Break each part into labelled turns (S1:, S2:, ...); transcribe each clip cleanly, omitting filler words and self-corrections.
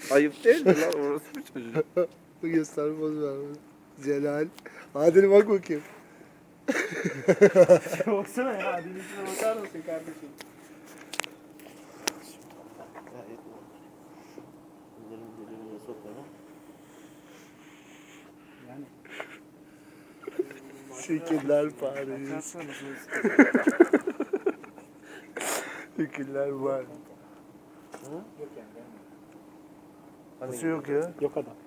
S1: Ayıp değil mi lan? Orası bir çocuk.
S2: Göster poz ver. Celal. Adil bak bakayım.
S3: Baksana ya, Adil'in içine bakar mısın kardeşim?
S4: Gayet normal. Bunların birbirine sokmadan.
S3: Yani
S2: Şekiller Paris.
S1: Baksana nasıl
S2: Şekiller var.
S3: yok yani.
S2: Nasıl yok ya?
S3: Yok adam.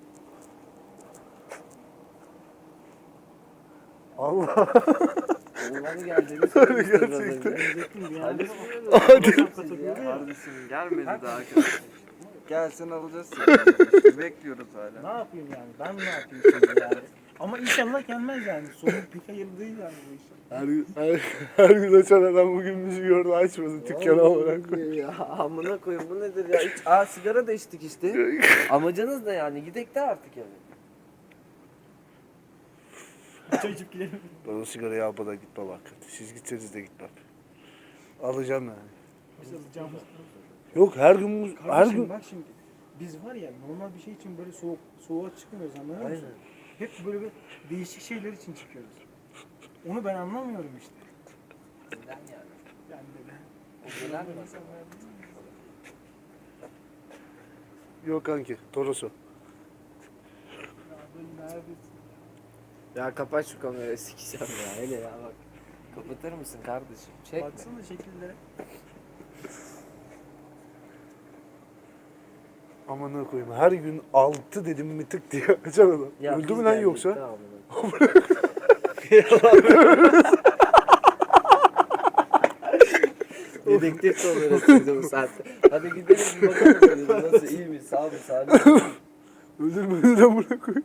S2: Allah.
S4: Oğlanı geldiğini
S2: Gerçekten.
S3: Diyecektim bir
S4: Hadi.
S3: yani.
S1: Kardeşim gelmedi daha arkadaş. Gelsin alacağız seni. İşte bekliyoruz hala.
S3: Ne yapayım yani? Ben ne yapayım şimdi yani? Ama inşallah gelmez yani. Sonu pek hayırlı değil yani bu iş.
S2: Her gün açan adam bugün bizi gördü açmadı dükkanı olarak.
S4: Ya amına koyayım bu nedir ya? Sigara da içtik işte. Amacınız ne yani? Gidek de artık yani.
S3: Çocuk gidelim.
S2: Ben o sigarayı almadan gitmem hakikaten. Siz gitseniz de gitmem. Alacağım yani.
S3: Biz alacağımız.
S2: Yok her gün her
S3: Kardeşim
S2: gün
S3: bak şimdi. Biz var ya normal bir şey için böyle soğuğa çıkmıyoruz, anladın mı?
S4: Aynen.
S3: Hep böyle bir değişik şeyler için çıkıyoruz. Onu ben anlamıyorum işte.
S4: Neden yani?
S3: Yani neden?
S4: O neden mi?
S2: yok kanki Toros'u.
S3: Ya ben neredesin?
S4: Ya kapat şu kamerayı sikeceğim ya. Hele ya bak. Kapatır mısın kardeşim? Çekme.
S3: Baksana şekillere.
S2: Amına koyayım her gün 6 dedim mi tık diye açan adam.
S4: Ya
S2: Öldü
S4: biz
S2: mü lan
S4: geldik,
S2: yoksa?
S4: tamam mı? Dedektif de oluyoruz şimdi bu saatte. Hadi gidelim bir bakalım dedim. Nasıl, iyi mi? Sağ mı? Sağ mı?
S2: Öldürmedi de buna koy.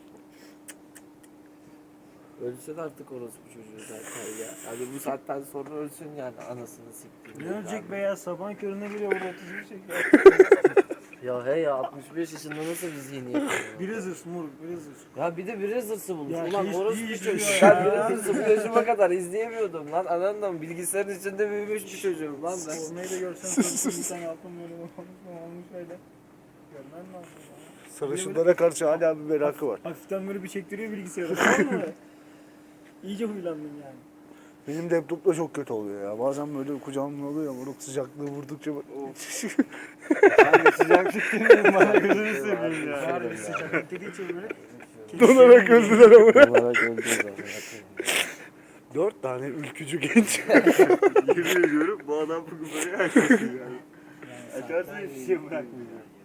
S4: Ölsün artık orospu çocuğu zaten ya. Hadi bu saatten sonra ölsün yani anasını siktiğim.
S3: Ne ölecek be ya, sabahın körüne geliyor burada 31 çekiyor.
S4: Ya he ya 65 yaşında nasıl bir zihniyet?
S3: Biraz hırs moruk, biraz hırs.
S4: Ya bir de biraz hırsı bulmuş.
S3: Ya
S4: Ulan
S3: hiç
S4: orospu
S3: değil
S4: çocuğu.
S3: ya.
S4: Ben biraz hırsı bu yaşıma kadar izleyemiyordum lan. Anladın bilgisayarın içinde büyümüş bir çocuğum lan ben.
S3: Ormayı da görsen bir tane altın böyle olmuş öyle. Görmen lazım ya.
S2: Sarışınlara karşı hala bir merakı var.
S3: Hafiften böyle bir çektiriyor bilgisayarı, tamam mı? İyice huylandım yani.
S2: Benim laptopla çok kötü oluyor ya. Bazen böyle kucağımda oluyor ya. Moruk sıcaklığı vurdukça
S1: Abi sıcaklık demeyin bana gözünü seveyim ya.
S3: Var bir sıcaklık dediği için böyle.
S2: donarak öldüler ama.
S4: Olarak öldüğü zaman.
S2: 4 tane ülkücü genç.
S1: Yemin ediyorum bu adam bugün böyle açmışsın yani. Açarsa hiçbir şey bırakmayacak.